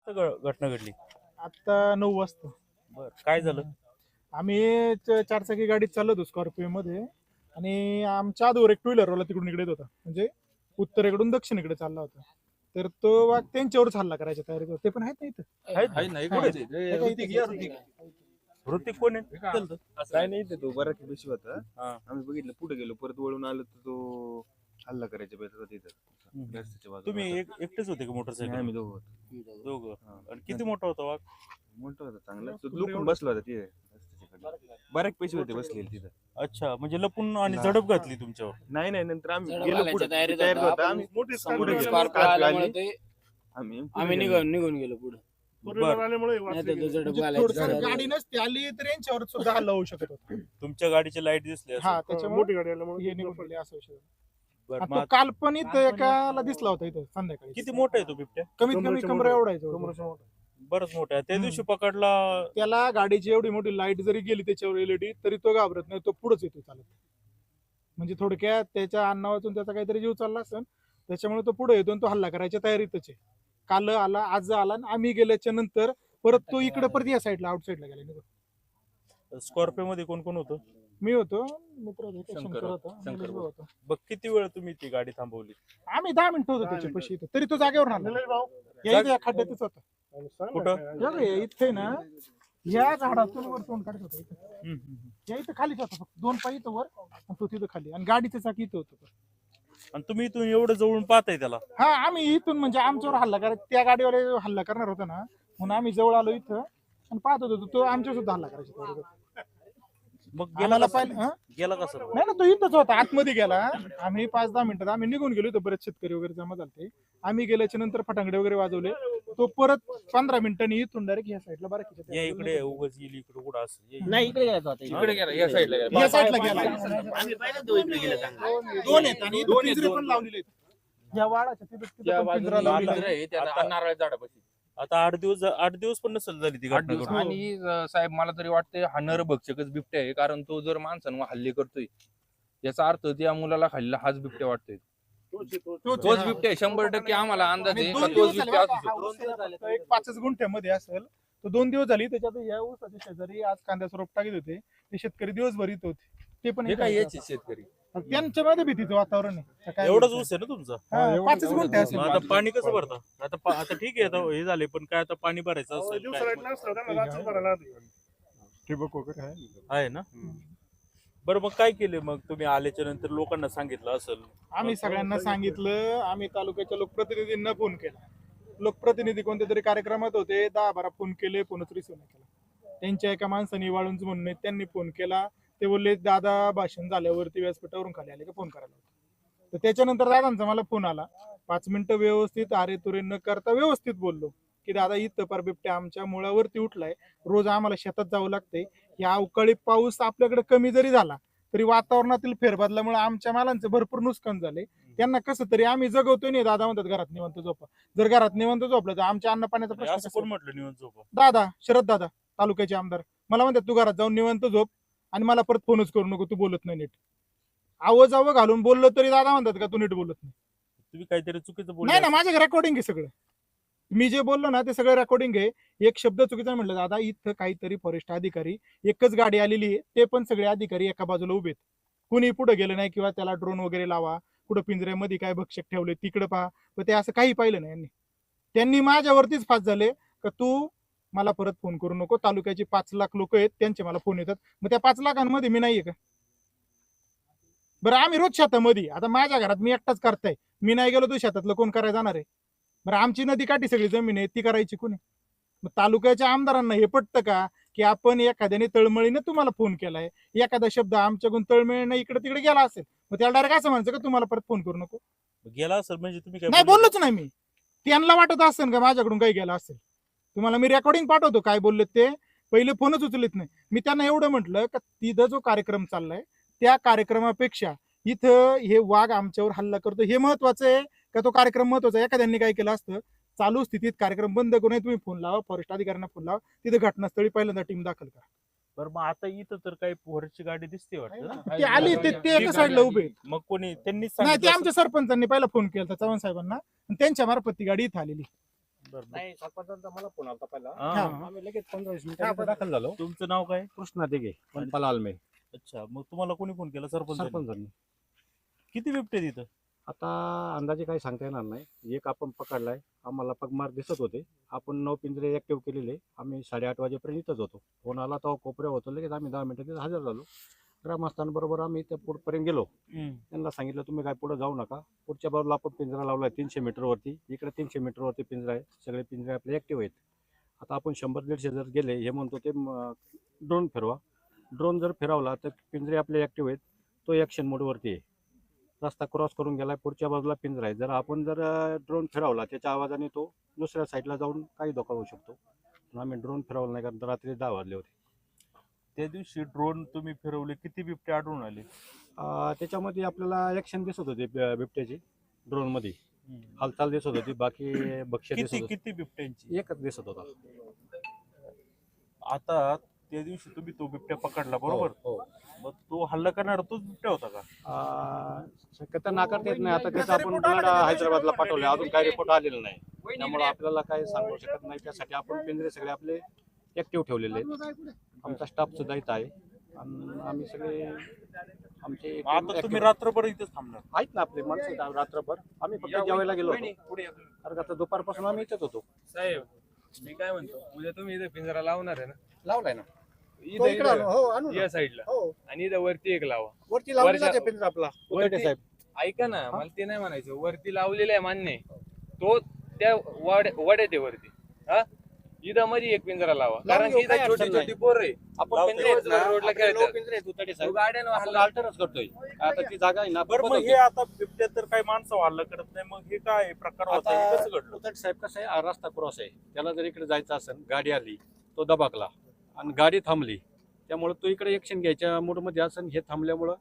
घटना घडली? आता 9 वाजता बर, काय झालं? आम्ही चारचाकी गाडीत चाललो होतो स्कॉर्पिओ मध्ये, आणि आमच्या आधीवर एक टू व्हीलरवाला तिकडून इकडे येत होता, म्हणजे उत्तरेकडून दक्षिणेकडे चालला होता. तर तो वाघ त्यांच्यावरच हल्ला करायच्या तयारीत होता. ते पण आहेत ना इथं. ऋतिक कोण आहे? काय नाही ते तो बराच बेशी होता. हा. आम्ही बघितलं, पुढे गेलो, परत वळून आलो तर तो हल्ला करायच्या बेतात होता तिथं रस्त्याच्या बाजूला. तुम्ही एकटेच होते का मोटरसायकल? आम्ही दोघं होतो. दोघं. आणि किती मोठा होता वाघ? मोठा होता चांगला, तो लुकून बसला होता तिथे रस्त्याच्या कडे. बऱ्याच पैसे होते बसलेले तिथं. अच्छा, म्हणजे लपून आणि झडप घातली तुमच्यावर? नाही नंतर आम्ही झडप गेलो घालायच्या पुढे, तयारीत तयारीत होतो. होता. आम्ही मोठी पुढे गेलो, स्कॉर्पिओ कार आल्यामुळे आली. ते आम्ही आम्ही निघून गेलो पुढे. नाही तर तो झडप म्हणजे घालायचा थोडंसं तयारीत गाडी नसती आली तर यांच्यावर सुद्धा हल्ला होऊ शकत होता. तुमच्या गाडीची लाईट दिसली असेल. हा, त्याच्यामुळे हे निघून पडले असं विषय झाला. बरं, आणि मग तो काल पण इथं एकाला दिसला होता इथं संध्याकाळी. किती मोठा आहे तो बिबट्या? कमीत कमी कमरा एवढा आहे तो. बरंच मोठा आहे. त्या दिवशी पकडला. त्याला गाडीची एवढी मोठी लाईट जरी गेली त्याच्यावर एलईडी तरी तो घाबरत नाही, तो पुढेच येतो चालत. म्हणजे थोडक्यात त्याच्या अन्ना वाचून त्याचा काहीतरी जीव चालला असेल, त्याच्यामुळे तो पुढे येतो आणि तो हल्ला करायच्या तयारीतच आहे. काल आला, आज आला, आणि आम्ही गेल्याच्या नंतर परत तो इकडे परत या साईडला आउट साईडला गेला. स्कॉर्पिओ मध्ये कोण कोण होतं? मी होतो, मित्र होते, शंकर होता, निलेश भाऊ होता. बघ, किती वेळ तुम्ही ती गाडी थांबवली? आम्ही 10 मिनिटं होतो त्याच्या पशी इथं, तरी तो जागेवर राहिला. या इथे या खड्ड्यातच होता. कुठं? इथे ना, या झाडातून वर तोंड काढत होता इथं. या इथं खालीच होता, फक्त 2 पाय इथं वर आणि तो तिथं खाली, आणि गाडीचं चाक इथं होतं. आणि तुम्ही इथून एवढं जवळून पाहताय त्याला? हा, आम्ही इथून म्हणजे आमच्यावर हल्ला करायचा, त्या गाडीवर हल्ला करणार होता ना, म्हणून आम्ही जवळ आलो इथं आणि पाहत होतो तो आमच्यावर सुद्धा हल्ला करायचा. मग गेला आम्हाला कसा? पाहिलं गेला कसं? नाही ना, तो इथंच होता, आतमध्ये गेला. आम्ही 5-10 मिनिटात आम्ही निघून गेलो, तर बरेच शेतकरी वगैरे जमा झाले. आम्ही गेल्याच्या नंतर फटांगडे वगैरे वाजवले. तो परत 15 मिनिटांनी इथून डायरेक्ट या साईडला बरं या इकडे उगाच येईल इकडे कुठं असं? नाही, इकडे गेला तो आता. इकडे गेला, या साईडला गेला. या साईडला गेला. आम्ही पाहिलं तो इकडे गेला चांगला. 2 आहेत आणि इथं पिंजरे पण लावलेले आहेत. या वाडाच्या तिथं पण पिंजरा लावलेला आहे. नारळ झाडापाशी. आता 8 दिवस पण नसेल झाली ती घटना घडून. आणि साहेब, मला तरी वाटतंय हा नरभक्षकच बिबट्या आहे, कारण तो जर माणसांवर हल्ले करतोय याचा अर्थ त्या मुलाला खाल्ला हाच बिबट्या वाटतोय. तोच बिबट्या आहे, 100% आम्हाला अंदाज आणि आहे 2 का दिवस तोच झाले बिबट्या बघा, असू हा शकतो. ऊस फक्त एक 5 गुंठ्यामध्ये असेल. तो 2 दिवस झाली त्याच्यात या ऊसाच्या शेजारी आज कांद्याचं रोप टाकीत होते. ते शेतकरी दिवसभर इथं होते. ते पण हे काय याचे शेतकरी त्यांच्या मध्ये भीतीचं वातावरण आहे. काय एवढंच ऊस आहे ना तुमचा? 5 गुंठे असेल. मग आता पाणी कसं भरता? आता ठीक आहे, आता हे झाले, पण काय आता पाणी भरायचं असेल काय? ठिबक वगैरे आहे ना? बरं, मग काय केले? मग तुम्ही आल्याच्या नंतर लोकांना सांगितलं असेल? आम्ही सगळ्यांना सांगितलं. आम्ही तालुक्याच्या लोकप्रतिनिधींना फोन केला. लोकप्रतिनिधी कोणत्या तरी कार्यक्रमात होते, 10-12 फोन केले, फोनच रिसिव्ह नाही केला. त्यांच्या एका माणसाने वाळूंच म्हणून आहे, त्यांनी फोन केला. ते बोलले दादा भाषण झाल्यावरती व्यासपीठावरून खाली आले का फोन करायला. तर त्याच्यानंतर दादांचा मला फोन आला. 5 मिनिटं व्यवस्थित अरे तुरे न करता व्यवस्थित बोललो की दादा इथं पर बिबट्या आमच्या मुळावरती उठलाय, रोज आम्हाला शेतात जावं लागतंय. या अवकाळी पाऊस आपल्याकडे कमी जरी झाला तरी वातावरणातील फेरबदलामुळे आमच्या मालांचे भरपूर नुकसान झाले. त्यांना कसं तरी आम्ही जगवतोय. नाही दादा म्हणतात घरात निवांत झोपा. जर घरात निवांत झोपलं तर आमच्या अन्न पाण्याचा प्रश्न असं कसा? कोण म्हटलं निवांत झोपा? दादा, शरद दादा, तालुक्याचे आमदार मला म्हणतात तू घरात जाऊन निवांत झोप आणि मला परत फोनच करू नको, तू बोलत नाही नीट. आवाजावं घालून बोललो तरी दादा म्हणतात का तू नीट बोलत नाही. तुम्ही काहीतरी चुकीचं बोलले नाही ना, माझ्या रेकॉर्डिंग आहे सगळं. मी जे बोललो ना ते सगळं रेकॉर्डिंग आहे. एक शब्द चुकीचा म्हटलं दादा, इथं काहीतरी फॉरेस्ट अधिकारी, एकच गाडी आलेली आहे, ते पण सगळे अधिकारी एका बाजूला उभेत. कुणी पुढे गेलं नाही किंवा त्याला ड्रोन वगैरे लावा, कुठं पिंजऱ्यामध्ये काय भक्षक ठेवले तिकडे पहा, पण ते असं काही पाहिलं नाही. त्यांनी माझ्यावरतीच फास झाले का तू मला परत फोन करू नको. तालुक्याचे 5 लाख लोक आहेत, त्यांचे मला फोन येतात. मग त्या 5 लाखांमध्ये मी नाहीये का? बरं, आम्ही रोज शेतामध्ये, आता माझ्या घरात मी एकटाच करताय, मी नाही गेलो तर शेतातलं कोण करायला जाणार आहे? बरं, आमची नदी काठी सगळी जमीन आहे, ती करायची कोणी? मग तालुक्याच्या आमदारांना हे पटतं का की आपण एखाद्याने तळमळीने तुम्हाला फोन केलाय, एखादा शब्द आमच्याकडून तळमळीने इकडे तिकडे गेला असेल, मग त्याला डायरेक्ट असं म्हणायचं का तुम्हाला परत फोन करू नको? गेला असेल म्हणजे तुम्ही काय नाही, बोलले? बोललोच नाही मी. त्यांना वाटत असेल का माझ्याकडून काही गेला असेल. तुम्हाला मी रेकॉर्डिंग पाठवतो काय बोलले ते. पहिले फोनच उचलत नाही. मी त्यांना एवढं म्हटलं का तिथं जो कार्यक्रम चाललाय त्या कार्यक्रमापेक्षा इथं हे वाघ आमच्यावर हल्ला करतो हे महत्वाचं आहे का तो कार्यक्रम महत्वाचा आहे? एखाद्यांनी काय केलं असतं, चालू स्थितीत कार्यक्रम बंद करून तुम्ही फोन लावा, फॉरेस्ट अधिकाऱ्यांना फोन लावा, तिथे घटनास्थळी पहिल्यांदा टीम दाखल करा. बरं, मग आता इथं तर काही पोहरची गाडी दिसते वाटतं ना? ते आली, ते एका साईडला उभे आहेत. मग कोणी त्यांनीच नाही, ते सांगितलं आमच्या सरपंचांनी पहिला फोन केला चव्हाण साहेबांना आणि त्यांच्या मार्फत ती गाडी इथं आलेली. नाही सरपंचांचा मला फोन आला पहिला हा. आम्ही लगेच 15-20 मिनिटात दाखल झालो. तुमचं नाव काय? कृष्णा दिघे वनपाल आलमे अच्छा, मग तुम्हाला कोणी फोन केला? सरपंच. सरपंचांनी. किती बिबटे तिथं? आता अंदाजे काही सांगता येणार नाही. एक आपण पकडलाय, आम्हाला पगमार दिसत होते. आपण 9 पिंजरे ऍक्टिव्ह केलेले. आम्ही 8:30 वाजेपर्यंत इथंच होतो. फोन आला तेव्हा कोपऱ्या होतो, लगेच आम्ही 10 मिनिटात हजर झालो. ग्रामस्थांबरोबर आम्ही त्या पुढपर्यंत गेलो. त्यांना सांगितलं तुम्ही काय पुढे जाऊ नका. पुढच्या बाजूला आपण पिंजरा लावलाय 300 मीटरवरती. इकडे 300 मीटरवरती पिंजरा आहे. सगळे पिंजरे आपले ऍक्टिव्ह आहेत. आता आपण 100-150 जर गेले, हे म्हणतो ते ड्रोन फिरवा. ड्रोन जर फिरवला तर पिंजरे आपले ऍक्टिव्ह आहेत. तो ॲक्शन मोडवरती आहे. रस्ता क्रॉस करून गेलाय, पुढच्या बाजूला पिंजरा आहे. जर आपण जर ड्रोन फिरवला त्याच्या आवाजाने तो दुसऱ्या साईडला जाऊन काही धोका होऊ शकतो. पण आम्ही ड्रोन फिरवला नाही, कारण रात्री 10 वाजले होते. त्या दिवशी ड्रोन तुम्ही फिरवले, किती बिबटे आढळून आले? त्याच्यामध्ये आपल्याला ॲक्शन दिसत होते बिबट्याची. ड्रोन मध्ये हालचाल दिसत होती, बाकी भक्ष्य दिसत किती होते. किती बिबट्यांची? एकच दिसत होता. आता त्या दिवशी तुम्ही तो बिबट्या पकडला, बरोबर? हो. मग तो हल्ला करणारा तोच बिबट्या होता का? शक्यता नाकारता येत नाही. आता त्याचं आपण ब्लड हैदराबादला पाठवले, अजून काही रिपोर्ट आलेला नाही. त्यामुळे आपल्याला काही सांगू शकत नाही. त्यासाठी आपण पिंजरे सगळे आपले ऍक्टिव्ह ठेवलेले आहेत. आमचा स्टाफ सुद्धा इथं आहे आणि आम्ही सगळे आमचे आता तुम्ही रात्रभर इथेच थांबणार? आहेत ना आपले माणसं आहेत रात्रभर. आम्ही फक्त जेवायला गेलो होतो. कारण आता दुपारपासून आम्ही इथेच होतो. साहेब मी काय म्हणतो, उद्या तुम्ही इथे पिंजरा लावणार आहे ना? लावलाय ना इथं या साईडला, आणि इथं वरती एक लावा. वरती लावलेला आहे पिंजरा आपला. वरती- साहेब ऐका ना, मला ते नाही म्हणायचं. वरती लावलेला आहे मान्य आहे. तो त्या वड्यात आहे वरती. हा, इथं मध्ये एक पिंजरा लावा, कारण की इथं छोटी छोटी पोरं आहे. आपण पिंजरे आहेत ना, रोडला आपले खेळतात. लोक पिंजरे आहेत उताडे साहेब. गाड्यानं आपण हल्ला अल्टरच करतोय. आता ती जागा आहे ना, बरं, मग हे आता बिबट्या तर काही माणसं हल्ला करत नाही, मग हे काय प्रकार होता? हे कसं घडलं? उताडे साहेब कसं आहे, हा रस्ता क्रॉस आहे. त्याला जर इकडे जायचं असेल, गाडी आली, तो दबाकला आणि गाडी थांबली, त्यामुळे तो इकडे ऍक्शन घ्यायच्या मूड मध्ये असेल. हे थांबल्यामुळं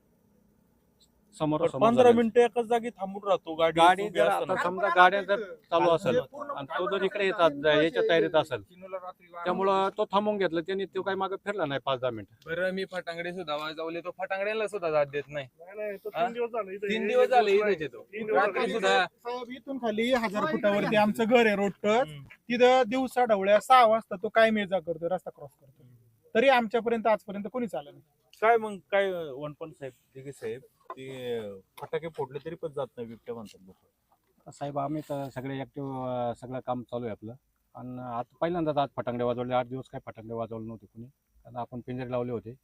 समोर 15 मिनिटं एकाच जागी थांबून राहतो गाडी गाडी उभी जर असताना. आता समजा गाड्या जर चालू असेल आणि तो जर इकडे येतात याच्या तयारीत असेल, त्यामुळं तो थांबून घेतलं त्यांनी. तो काही मागे फिरला नाही 5-10 मिनिटं. बरं, मी फटांगडे सुद्धा वाजवले, तो फटांगड्याला सुद्धा जात देत नाही. हा? 3 दिवस झाले इथे. 3 दिवस झाले इथेच येतो. 3 दिवस रात्री झाले. सुद्धा साहेब, इथून खाली 1000 फुटावरती आमचं घर आहे, रोड टच. तिथं दिवसा ढवळ्या 6 वाजता तो काय मेजा करतो, रस्ता क्रॉस करतो. तरी आमच्यापर्यंत आजपर्यंत कोणीच आलं नाही. काय मग काय वनपण साहेब, दिघे साहेब, ते फटाके फोडले तरी पण जात नाही बिबट्या म्हणतात लोक. साहेब आम्ही तर सगळे ऍक्टिव्ह, सगळं काम चालू आहे आपलं. आणि आता पहिल्यांदाच आज फटांगडे वाजवले. 8 दिवस काय फटांगडे वाजवले नव्हते कोणी, कारण आपण पिंजरे लावले होते.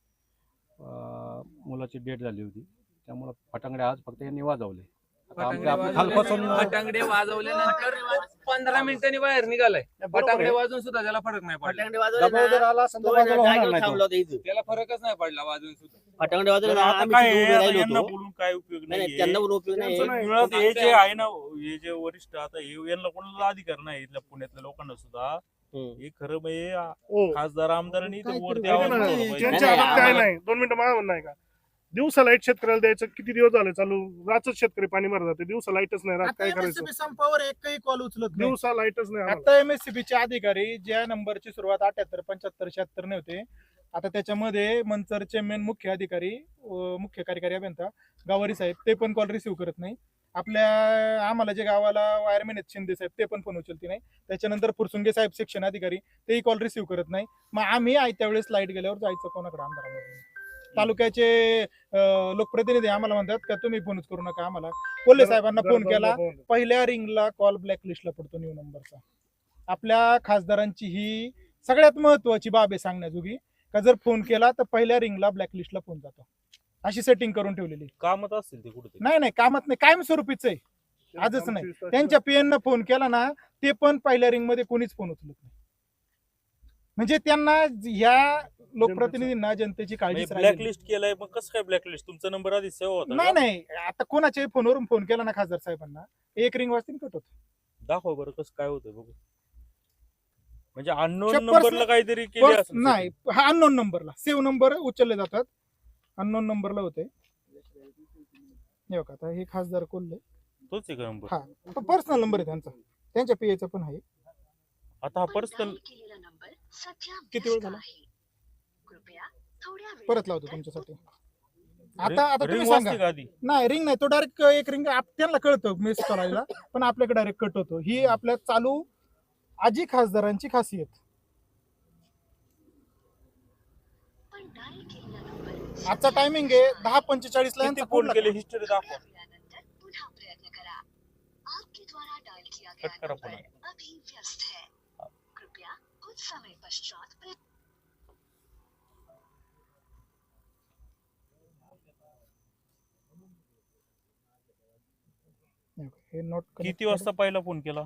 मुलाची डेट झाली होती, त्यामुळं फटांगडे आज फक्त यांनी वाजवले. आता आमच्या कालपासून फटांगडे वाजवल्यानंतर 15 मिनिटांनी बाहेर निघालाय. फटांगडे वाजून सुद्धा त्याला फरक नाही पडला. दबाव जर आला असेल तर बाजूला होणार नाही तो. त्याला फरकच नाही पडला वाजून सुद्धा. फटांगडे वाजवले ना, आता आम्ही काय तिथे उभे आहे, राहिलो यांना होतो. बोलून काय उपयोग नाही, नाही. त्यांना पण उपयोग नाही. मुळात हे जे आहे ना, हे जे वरिष्ठ आता यांना कोणाला अधिकार नाही इथल्या पुण्यातल्या लोकांना सुद्धा. हे खरं म्हणजे हो. खासदार आमदारांनी इथं वरती ऐका आवाज ना, उठवला पाहिजे. त्यांच्या नाही, हातात काय आम्हाला- नाही. 2 मिनिटं मला म्हणणं आहे का, दिवसा लाईट शेतकऱ्याला द्यायचं किती दिवस झाले चालू. रातच शेतकरी पाणी मारत जाते, दिवसा लाईटच नाही. रात आता काय करायचं, MSCB संपावर एकही कॉल उचलत नाही. दिवसा लाईटच नाही आम्हाला. आता MSCB चे अधिकारी ज्या नंबरची सुरुवात 78, 75, 76 ने होते, आता त्याच्यामध्ये मंचरचे मेन मुख्य अधिकारी, मुख्य कार्यकारी अभियंता गावारी साहेब, ते पण कॉल रिसिव्ह करत नाही. आम्हाला जे गावाला वायरमॅन आहेत शिंदे साहेब, ते पण फोन उचलते नाही. त्याच्यानंतर फुरसुंगे साहेब सेक्शन अधिकारी, तेही कॉल रिसिव्ह करत नाही. मग आम्ही आयत्या वेळेस लाईट गेल्यावर जायचं कोणाकडे? आमदारामध्ये. तालुक्याचे लोकप्रतिनिधी आम्हाला म्हणतात का तुम्ही फोनच करू नका आम्हाला. कोल्हे साहेबांना फोन केला, पहिल्या रिंगला कॉल ब्लॅकलिस्टला पडतो न्यू नंबरचा. आपल्या खासदारांची ही सगळ्यात महत्वाची बाब आहे सांगण्याजोगी, का जर फोन केला तर पहिल्या रिंगला ब्लॅकलिस्टला फोन जातो. अशी सेटिंग करून ठेवलेली. कामात असतील ते कुठे? नाही, कामात नाही, कायमस्वरूपीच आहे. आजच नाही. त्यांच्या पीएन फोन केला ना, ते पण पहिल्या रिंग मध्ये कोणीच फोन उचलत नाही. म्हणजे त्यांना ह्या लोकप्रतिनिधींना जनतेची काळजी ब्लॅकलिस्ट केलंय. मग कसं काय ब्लॅकलिस्ट? तुमचा नंबर आधी सेव्ह होता का? नाही, आता कोणाच्याही फोनवरून फोन केला ना खासदार साहेबांना, एक रिंग वाजतील कट होतो. दाखव बरं कसं काय होतं बघू. म्हणजे अननोन Personal- नंबरला काहीतरी केली असेल. नाही, हा अननोन नंबरला सेव्ह नंबर उचलले जातात, अननोन नंबरला होते. हे बघा, आता हे खासदार कोल्हे, तोच आहे का नंबर? हा पर्सनल नंबर आहे त्यांचा, त्यांच्या पीएचा पण आहे. आता हा पर्सनल किती वेळ झाला? परत लावतो तुमच्यासाठी. आता तुम्ही रिंग सांगा. वाजते का आधी? नाही, रिंग नाही, तो डायरेक्ट एक रिंग त्यांना कळतं मिस करायला, पण आपल्याकडे डायरेक्ट कट होतो. ही आपल्या चालू आजी खासदारांची खासियत. आजचा टायमिंग आहे 10:45 ला किती यांचा फोन फोन केले हिस्ट्री दाखवा. कट करा फोन. हे नोट किती वाजता पहिला फोन केला?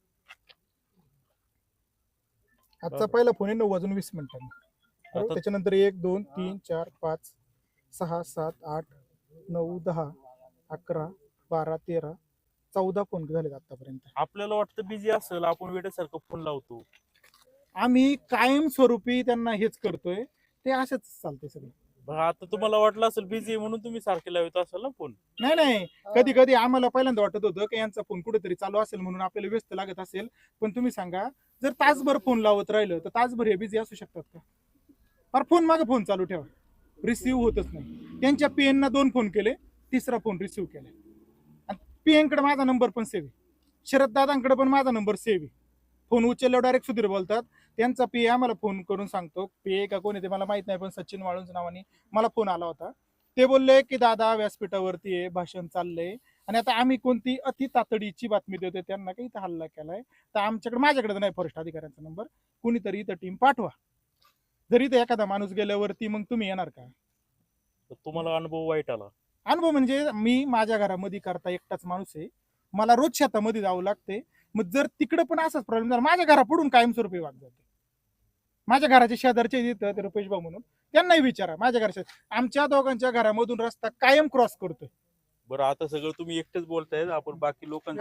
आजचा पहिला फोन आहे 9:20 बरोबर. आता त्याच्यानंतर 1 2 3 4 5 6 7 8 9 10 11 12 13 14 फोन झाले आतापर्यंत. आपल्याला वाटतं बिझी असेल, आपण वेळेसारखं फोन लावतो. आम्ही कायमस्वरूपी त्यांना हेच करतोय, ते असंच चालते सगळं. बघा, आता तुम्हाला वाटलं असेल बिझी म्हणून तुम्ही सारखे लावत असाल ना फोन. नाही कधी कधी आम्हाला पहिल्यांदा वाटत होतं की यांचा फोन कुठेतरी चालू असेल म्हणून आपल्याला व्यस्त लागत असेल. पण तुम्ही सांगा, जर तासभर फोन लावत राहिलं तर तासभर हे बिझी असू शकतात का? पर फोन मागे फोन चालू ठेवा, रिसिव्ह होतच नाही. त्यांच्या पीएन ना 2 फोन केले, तिसरा फोन रिसिव्ह केला. आणि पीएन कडे माझा नंबर पण सेव्ह आहे, शरद दादांकडे पण माझा नंबर सेव्ह आहे. फोन उचलल्यावर डायरेक्ट सुधीर बोलतात. त्यांचा पी आम्हाला फोन करून सांगतो, पी का कोणी ते मला माहित नाही, पण सचिन वाळूंच नावाने मला फोन आला होता. ते बोलले की दादा व्यासपीठावरती आहे, भाषण चाललंय आणि आता आम्ही कोणती अति तातडीची बातमी देतोय त्यांना काही इथं हल्ला केलाय, तर आमच्याकडे माझ्याकडे तर नाही फॉरेस्ट अधिकाऱ्यांचा नंबर, कुणीतरी इथं टीम पाठवा. जरी इथं एखादा माणूस गेल्यावरती मग तुम्ही येणार का? तर तुम्हाला अनुभव वाईट आला. अनुभव म्हणजे मी माझ्या घरामध्ये करता एकटाच माणूस आहे, मला रोज शेतामध्ये जावं लागते. मग जर तिकडे पण असाच प्रॉब्लेम झाला, माझ्या घरापुढून कायमस्वरूपी वाद जाते. माझ्या घराच्या शेजारचे येतं ते रुपेश भाऊ म्हणून, त्यांनाही विचारा. माझ्या घराच्या आमच्या दोघांच्या घरामधून रस्ता कायम क्रॉस करतोय. बरं, आता सगळं तुम्ही एकटेच बोलताय, आपण बाकी लोकांचं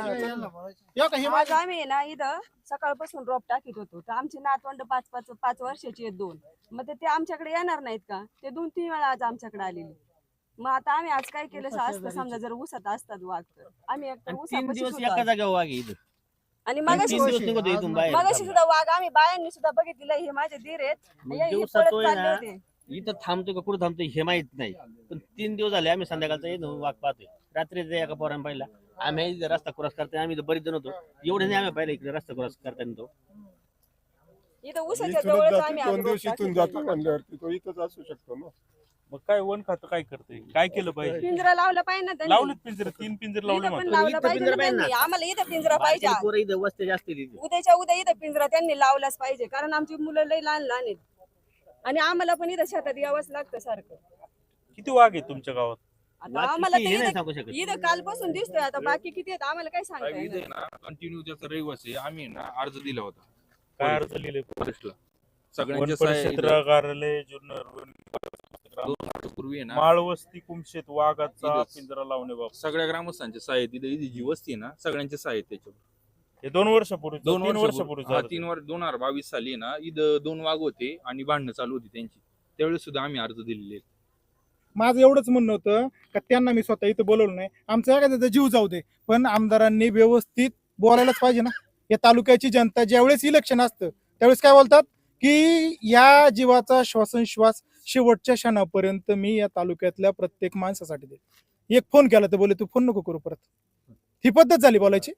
आज आम्ही ना इथं सकाळपासून ड्रॉप टाकीत होतो, तर आमची नातवंड 5 वर्षाची आहेत 2. मग ते आमच्याकडे येणार नाहीत का? ते 2-3 वेळा आज आमच्याकडे आलेले. मग आता आम्ही आज काय केलं असतं, समजा जर ऊसात असतात वाघ, तर आम्ही एकतर ऊसापाशी होतो. आणि मगाशी सुद्धा वाघ आम्ही बायांनी सुद्धा बघितलेलं. हे माझे धीर आहेत, हे पळत चालले होते. इथं थांबतोय का कुठं थांबतोय हे माहित नाही, पण 3 दिवस झाले आम्ही संध्याकाळचा येतो वाघ पाहतोय. रात्री एका पोरानं पाहिला, आम्ही इथं रस्ता क्रॉस करताना आम्ही बरीच जण होतो, एवढे नाही आम्ही पाहिलं इकडे रस्ता क्रॉस करताना. तो इथं ऊसाच्या जवळच आम्ही आज रोप इथून टाकीत जातो होतो. म्हणल्यावरती तो इथंच असू शकतो ना. मग काय वन खातं काय करते, काय केलं पाहिजे? पिंजरा लावला पाहिजे ना त्यांनी. लावलेत पिंजरे, 3 पिंजरे लावले इथं पण म्हणतात. लावला इथं पाहिजे पिंजरा ना पाहिजे त्यांनी. ना. आम्हाला इथं पिंजरा पाहिजे. बाकीचे पोरं इथं वस्ती जास्त आहे तिथे. उद्याच्या उद्या इथं पिंजरा त्यांनी लावलाच पाहिजे, कारण आमची मुलं लई लहान लहान आहेत आणि आम्हाला पण इथं शेतात यावंच लागतं सारखं. किती वाघ आहे तुमच्या गावात? आता वाघ आम्हाला किती हे तर नाही इथं सांगू शकत. इथं कालपासून दिसतोय, आता बाकी किती आहेत आम्हाला काय सांगता इथे येणार. ना कंटिन्यू त्याचा रहिवासी आम्ही ना अर्ज दिला होता काय अर्ज लिहिले? फॉरेस्टला. वन सगळ्यांच्या परिक्षेत्र सह्या कार्यालय जुन्नर, 2 वर्षापूर्वी आहे ना, माळवस्ती कुमशेत वाघाचा इथंच. पिंजरा लावणे सगळ्या ग्रामस्थांच्या सह्या आहेत. इथं जी वस्ती आहे ना, सगळ्यांच्या सह्या आहेत त्याच्यावर. हे 2 वर्षापूर्वी 2 3 वर्षापूर्वी हा, 2022 साली ना इथं 2 वाघ होते आणि भांडणं चालू होती त्यांची. त्यावेळेस सुद्धा आम्ही अर्ज दिलेले आहेत. माझं एवढंच म्हणणं होतं का त्यांना मी स्वतः इथं बोलवलं नाही, आमचा एखाद्याचा जीव जाऊ दे, पण आमदारांनी व्यवस्थित बोलायलाच पाहिजे ना. या तालुक्याची जनता ज्यावेळेस इलेक्शन असतं त्यावेळेस काय बोलतात की या जीवाचा श्वासोच्छ्वास शेवटच्या क्षणापर्यंत मी या तालुक्यातल्या प्रत्येक माणसासाठी देतो. एक फोन केला तर बोले तू फोन नको करू परत. ही पद्धत झाली बोलायची.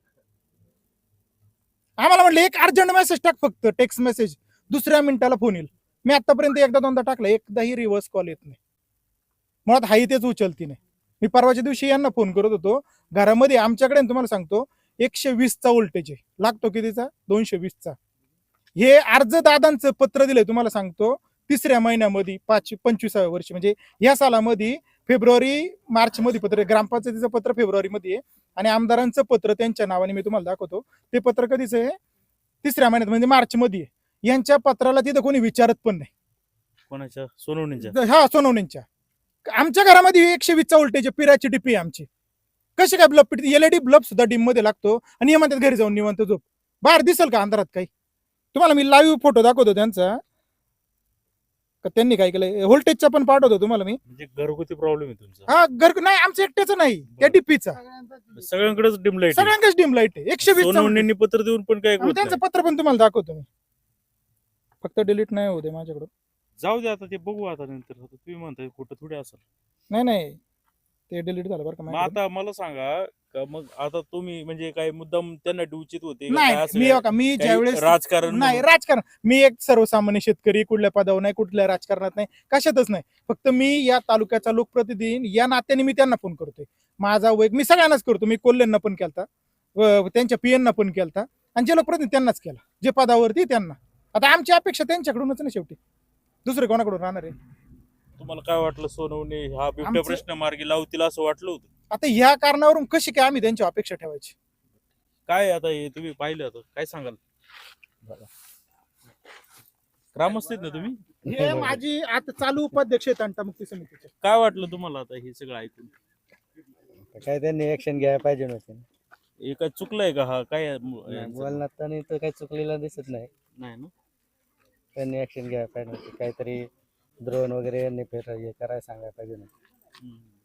आम्हाला म्हटलं एक अर्जंट मेसेज टाक, फक्त टेक्स्ट मेसेज, दुसऱ्या मिनिटाला फोन येईल. मी आतापर्यंत 1-2दा टाकला, एकदाही रिव्हर्स कॉल येत नाही. मुळात हाही तेच उचलती नाही. मी परवाच्या दिवशी यांना फोन करत होतो घरामध्ये, आमच्याकडे तुम्हाला सांगतो 120चा व्होल्टेज आहे, लागतो कितीचा? 220चा. हे अर्ज दादांचं पत्र दिलंय तुम्हाला सांगतो 3ऱ्या महिन्यामध्ये 25व्या वर्षी, म्हणजे या सालामध्ये फेब्रुवारी मार्च मध्ये पत्र, ग्रामपंचायतीचं पत्र फेब्रुवारी मध्ये आहे आणि आमदारांचं पत्र त्यांच्या नावाने मी तुम्हाला दाखवतो. ते पत्र कधीच आहे? 3ऱ्या महिन्यात म्हणजे मार्च मध्ये आहे. यांच्या पत्राला तिथं कोणी विचारत पण नाही. कोणाच्या? सोनवणीच्या? हा, सोनवणींच्या. आमच्या घरामध्ये 120चा व्होल्टेज आहे, पिराची डिपी आहे आमची. कसे काय ब्लब पिट, एलईडी ब्लब सुद्धा डिम मध्ये लागतो आणि म्हणतात घरी जाऊन निवांत झोप. बाहेर दिसेल का अंधारात काही? तुम्हाला मी लाईव्ह फोटो दाखवतो त्यांचा, त्यांनी काय केलंय. व्होल्टेजचा पण पाठवतो तुम्हाला मी. म्हणजे घरगुती प्रॉब्लेम आहे तुमचा? हा, घर नाही आमचं एकट्याचं नाही, त्या डिपीचा. सगळ्यांकडेच डिम लाईट? सगळ्यांकडेच डिम लाईट आहे. 120 सोनवणींनी पत्र देऊन पण काय होत त्यांचं नाही. पत्र पण तुम्हाला दाखवतो मी, फक्त डिलीट नाही होते माझ्याकडून. जाऊ दे आता, ते बघू आता नंतर. तुम्ही म्हणताय खोटं थोडी असेल. नाही ते डिलीट झालं बरं का मग माझ्याकडून. आता मला सांगा, का मग आता तुम्ही म्हणजे काय मुद्दाम त्यांना डिवचित होते का? नाही काय असं मी काय? बघा, मी काही ज्यावेळेस राजकारण नाही म्हणून? राजकारण, मी एक सर्वसामान्य शेतकरी, कुठल्या पदावर नाही, कुठल्या राजकारणात नाही, कशातच नाही. फक्त मी या तालुक्याचा लोकप्रतिनिधी या नात्याने मी त्यांना फोन करतोय. माझा मी सगळ्यांनाच करतो. मी कोल्हेंना पण केलता, त्यांच्या पीएनना पण केलता, आणि जे लोकप्रतिनिधी त्यांनाच केला, जे पदावरती त्यांना. आता आमची अपेक्षा त्यांच्याकडूनच ना शेवटी, दुसरे कोणाकडून राहणार आहे? तुम्हाला काय वाटलं सोनवणे हा बिबट्या आमचं- प्रश्न मार्गी लावतील असं वाटलं होतं? आता ह्या कारणावरून कशी काय आम्ही त्यांची अपेक्षा ठेवायची? काय आता हे तुम्ही पाहिलं आता काय सांगाल? ग्रामस्थ आहेत ना तुम्ही? हे माझी आता चालू उपाध्यक्ष आहेत तंटामुक्ती समितीचे. काय वाटलं तुम्हाला आता हे सगळं ऐकून? काय त्यांनी ऍक्शन घ्यायला पाहिजे नव्हते. हे काय चुकलंय का? हा काय यांचं? बोलण्यात तर काही चुकलेलं दिसत नाही. नाही ना? त्यांनी ऍक्शन घ्यायला पाहिजे नव्हते. काहीतरी ड्रोन वगैरे यांनी हे करायला सांगायला पाहिजे नव्हतं. हम्म.